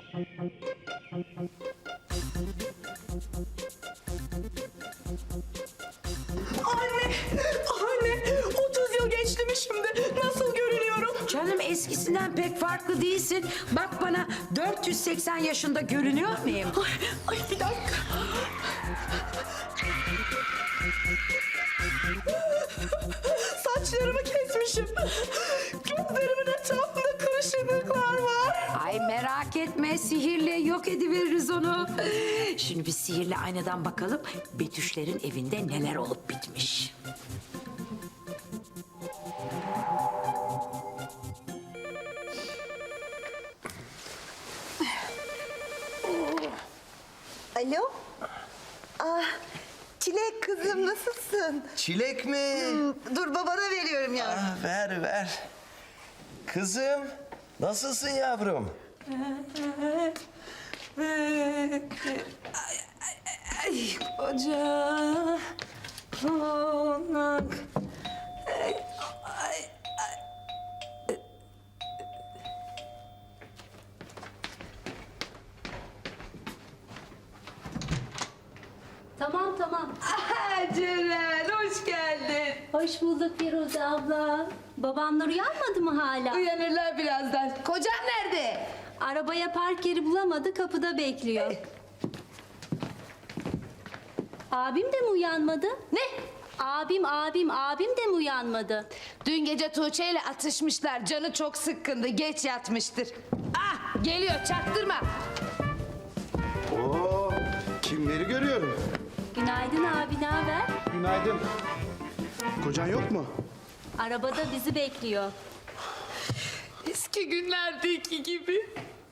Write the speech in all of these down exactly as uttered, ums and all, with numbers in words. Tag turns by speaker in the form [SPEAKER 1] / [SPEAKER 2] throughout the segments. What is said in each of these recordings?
[SPEAKER 1] Anne, anne, otuz yıl geçti mi şimdi? Nasıl görünüyorum?
[SPEAKER 2] Canım eskisinden pek farklı değilsin. Bak bana dört yüz seksen yaşında görünüyor muyum?
[SPEAKER 1] Ay, ay bir dakika. Saçlarımı kesmişim. Gözlerimin etrafında kırışıklıklar var.
[SPEAKER 2] Ay merak etme, sihirle yok ediveririz onu. Şimdi biz sihirli aynadan bakalım Betüşlerin evinde neler olup bitmiş.
[SPEAKER 3] Alo? Ah, Çilek kızım nasılsın?
[SPEAKER 4] Çilek mi?
[SPEAKER 3] Hmm, dur babana veriyorum ya.
[SPEAKER 4] Ah, ver ver. Kızım nasılsın yavrum?
[SPEAKER 1] Ay koca konak. Ay, ay,
[SPEAKER 5] Tamam tamam.
[SPEAKER 1] ay. Ceren hoş geldin.
[SPEAKER 5] Hoş bulduk Firuze abla. Babamlar uyanmadı mı hala?
[SPEAKER 1] Uyanırlar birazdan. Kocan nerede?
[SPEAKER 5] Arabaya park yeri bulamadı, kapıda bekliyor. Abim de mi uyanmadı?
[SPEAKER 6] Ne?
[SPEAKER 5] Abim, abim, abim de mi uyanmadı?
[SPEAKER 6] Dün gece Tuğçe ile atışmışlar. Canı çok sıkkındı. Geç yatmıştır. Ah geliyor çaktırma.
[SPEAKER 7] Oo, kimleri görüyorum?
[SPEAKER 5] Günaydın abi, ne haber?
[SPEAKER 7] Günaydın. Kocan yok mu?
[SPEAKER 5] Arabada bizi bekliyor.
[SPEAKER 1] Eski günlerdeki gibi.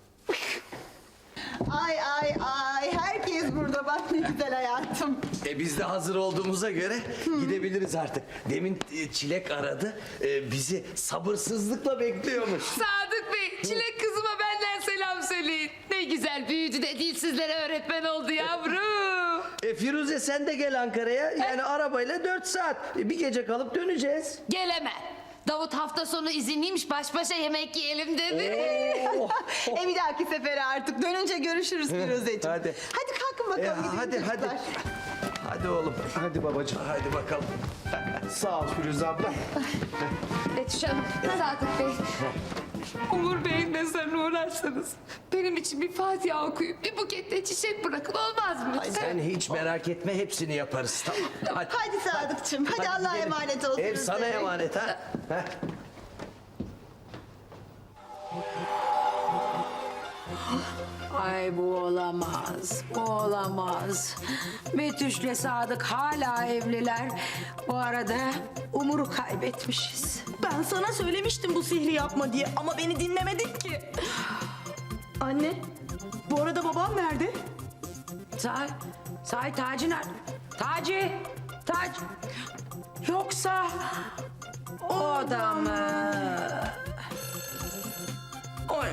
[SPEAKER 3] Ay ay ay, herkes burada bak ne güzel hayatım.
[SPEAKER 4] E biz de hazır olduğumuza göre gidebiliriz artık. Demin e, Çilek aradı. E, bizi sabırsızlıkla bekliyormuş.
[SPEAKER 6] Sadık Bey, Çilek kızıma benden selam söyleyin. Ne güzel büyüdü de dilsizlere öğretmen oldu yavrum.
[SPEAKER 4] E, Firuze sen de gel Ankara'ya. Yani arabayla dört saat. E, bir gece kalıp döneceğiz.
[SPEAKER 6] Geleme. Davut hafta sonu izinliymiş, baş başa yemek yiyelim dedi.
[SPEAKER 3] E bir dahaki sefere artık dönünce görüşürüz Firuzeciğim.
[SPEAKER 4] Hadi.
[SPEAKER 3] Hadi kalkın
[SPEAKER 4] E,
[SPEAKER 3] bakalım gidelim
[SPEAKER 4] hadi hadi.
[SPEAKER 3] çocuklar.
[SPEAKER 4] Hadi oğlum.
[SPEAKER 7] Hadi babacığım.
[SPEAKER 4] Hadi bakalım.
[SPEAKER 7] Sağ ol Firuze abla.
[SPEAKER 6] Betüş Hanım, Sadık Bey. Umur Bey'in mezarına uğrarsanız benim için bir Fatiha okuyup bir buket de çiçek bırakın, olmaz mı?
[SPEAKER 4] Sen hiç merak etme, hepsini yaparız, tamam. Hadi,
[SPEAKER 3] Hadi Sadıkçım, hadi, Allah'a
[SPEAKER 4] gidelim.
[SPEAKER 3] emanet olsun.
[SPEAKER 4] Ev sana
[SPEAKER 3] Firuze.
[SPEAKER 4] emanet ha. Heh.
[SPEAKER 2] Ay bu olamaz, bu olamaz. Betüş'le Sadık hala evliler. Bu arada Umur'u kaybetmişiz.
[SPEAKER 1] Ben sana söylemiştim bu sihri yapma diye ama beni dinlemedin ki. Anne, bu arada babam nerede?
[SPEAKER 2] Say, say Taci nerede? Taci, Taci. Yoksa o da mı? Oy.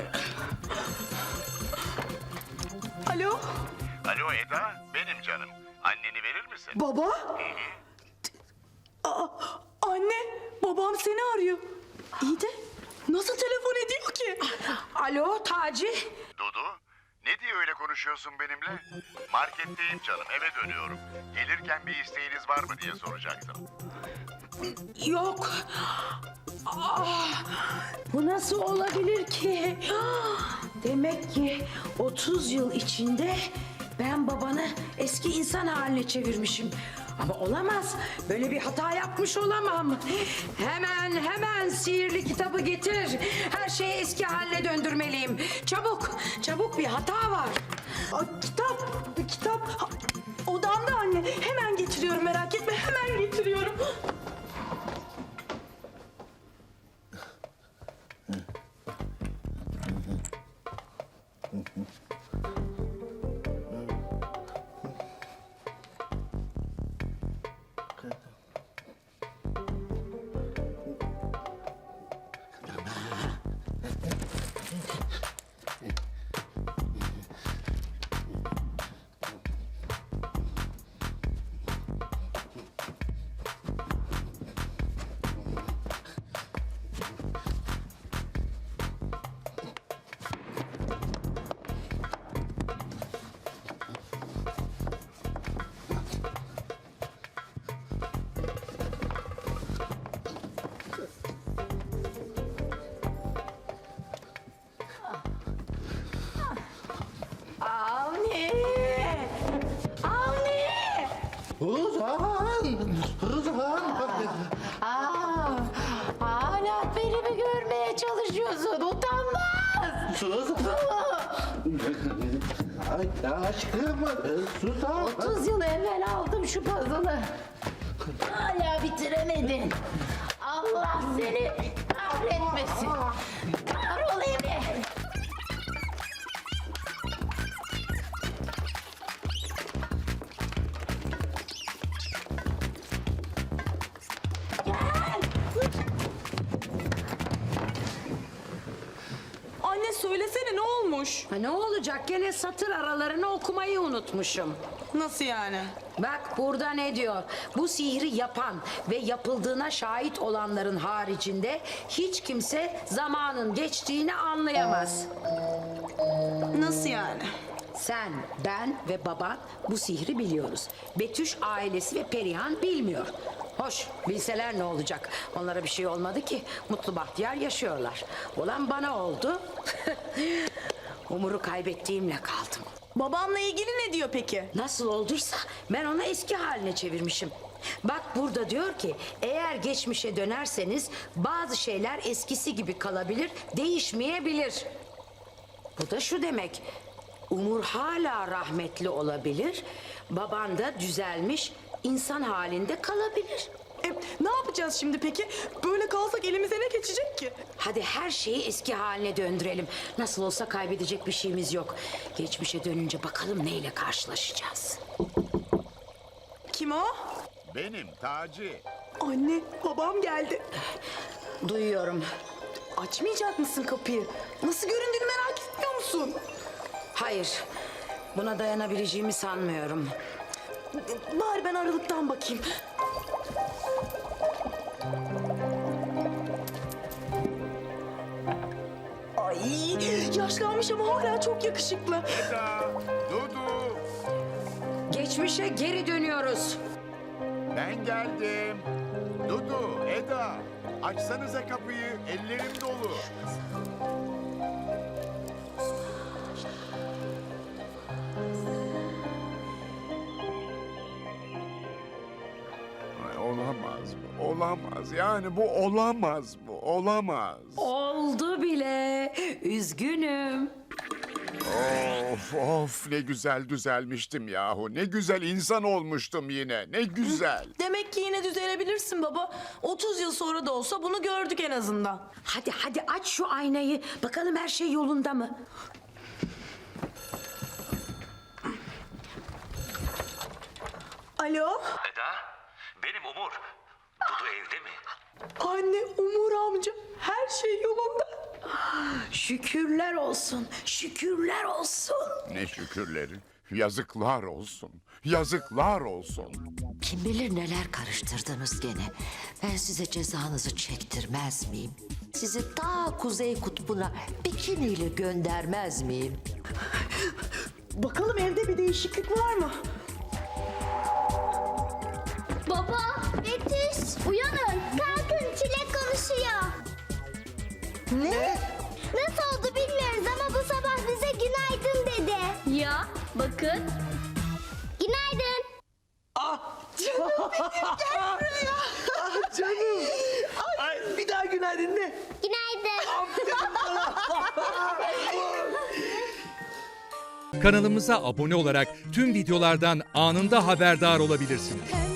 [SPEAKER 1] Alo,
[SPEAKER 8] Alo Eda, benim canım. Anneni verir misin?
[SPEAKER 1] baba? Aa, anne, babam seni arıyor. İyi de nasıl telefon ediyor ki?
[SPEAKER 2] Alo Taci.
[SPEAKER 8] Dudu, ne diye öyle konuşuyorsun benimle? Marketteyim canım, eve dönüyorum. Gelirken bir isteğiniz var mı diye soracaktım.
[SPEAKER 2] Yok. Ah, bu nasıl olabilir ki? Ah, demek ki otuz yıl içinde ben babanı eski insan haline çevirmişim. Ama olamaz. Böyle bir hata yapmış olamam. Hemen hemen sihirli kitabı getir. Her şeyi eski haline döndürmeliyim. Çabuk, çabuk bir hata var.
[SPEAKER 1] Aa, kitap, kitap. Ha, odamda anne. Hemen getiriyorum, merak etme. Hemen getiriyorum.
[SPEAKER 2] Aa, hala beni mi görmeye çalışıyorsun? Utanmaz.
[SPEAKER 7] Suzan. Ay aşkım. Suzan.
[SPEAKER 2] otuz yıl evvel aldım şu puzzle'ı. Hala bitiremedin. Allah seni kahretmesin. Kahrol Emre.
[SPEAKER 1] Anne söylesene ne olmuş?
[SPEAKER 2] Ha, ne olacak? Gene satır aralarını okumayı unutmuşum.
[SPEAKER 1] Nasıl yani?
[SPEAKER 2] Bak burada ne diyor? Bu sihri yapan ve yapıldığına şahit olanların haricinde hiç kimse zamanın geçtiğini anlayamaz.
[SPEAKER 1] Nasıl yani?
[SPEAKER 2] Sen, ben ve baban bu sihri biliyoruz. Betüş ailesi ve Perihan bilmiyor. Hoş, bilseler ne olacak? Onlara bir şey olmadı ki. Mutlu bahtiyar yaşıyorlar. Olan bana oldu. Umur'u kaybettiğimle kaldım.
[SPEAKER 1] Babamla ilgili ne diyor peki?
[SPEAKER 2] Nasıl olduysa ben onu eski haline çevirmişim. Bak burada diyor ki eğer geçmişe dönerseniz bazı şeyler eskisi gibi kalabilir, değişmeyebilir. Bu da şu demek. Umur hala rahmetli olabilir, baban da düzelmiş insan halinde kalabilir.
[SPEAKER 1] E, ne yapacağız şimdi peki? Böyle kalsak elimize ne geçecek ki?
[SPEAKER 2] Hadi her şeyi eski haline döndürelim. Nasıl olsa kaybedecek bir şeyimiz yok. Geçmişe dönünce bakalım neyle karşılaşacağız.
[SPEAKER 1] Kim o?
[SPEAKER 8] Benim Taci.
[SPEAKER 1] Anne, babam geldi.
[SPEAKER 2] Duyuyorum.
[SPEAKER 1] Açmayacak mısın kapıyı? Nasıl göründüğünü merak etmiyor musun?
[SPEAKER 2] Hayır, buna dayanabileceğimi sanmıyorum.
[SPEAKER 1] Bari ben aralıktan bakayım. Ay, yaşlanmış ama hala çok yakışıklı.
[SPEAKER 8] Eda, Dudu,
[SPEAKER 2] Geçmişe geri dönüyoruz.
[SPEAKER 8] ben geldim. Dudu, Eda, açsanıza kapıyı, ellerim dolu. Ay, olamaz bu, olamaz. Yani bu olamaz bu, olamaz.
[SPEAKER 2] Oldu bile. Üzgünüm.
[SPEAKER 8] Of of ne güzel düzelmiştim yahu. Ne güzel insan olmuştum yine. Ne güzel.
[SPEAKER 1] Demek ki yine düzelebilirsin baba. otuz yıl sonra da olsa bunu gördük en azından.
[SPEAKER 2] Hadi hadi aç şu aynayı. Bakalım her şey yolunda mı?
[SPEAKER 1] Alo?
[SPEAKER 4] Eda, benim Umur. Dudu evde mi?
[SPEAKER 1] Anne, Umur amca. Her şey yolunda.
[SPEAKER 2] Şükürler olsun. Şükürler olsun.
[SPEAKER 8] Ne şükürleri. Yazıklar olsun. Yazıklar olsun.
[SPEAKER 9] Kim bilir neler karıştırdınız gene. Ben size cezanızı çektirmez miyim? Sizi ta Kuzey Kutbu'na bikiniyle göndermez miyim?
[SPEAKER 1] Bakalım evde bir değişiklik var mı?
[SPEAKER 5] Baba, Betüş, uyanın. Kalkın, Çilek konuşuyor.
[SPEAKER 3] Ne?
[SPEAKER 5] Nasıl oldu bilmiyoruz ama bu sabah bize günaydın dedi. Ya, bakın. Günaydın.
[SPEAKER 4] Canım. Ay, bir daha günaydın de.
[SPEAKER 5] Günaydın.
[SPEAKER 10] Kanalımıza abone olarak tüm videolardan anında haberdar olabilirsiniz.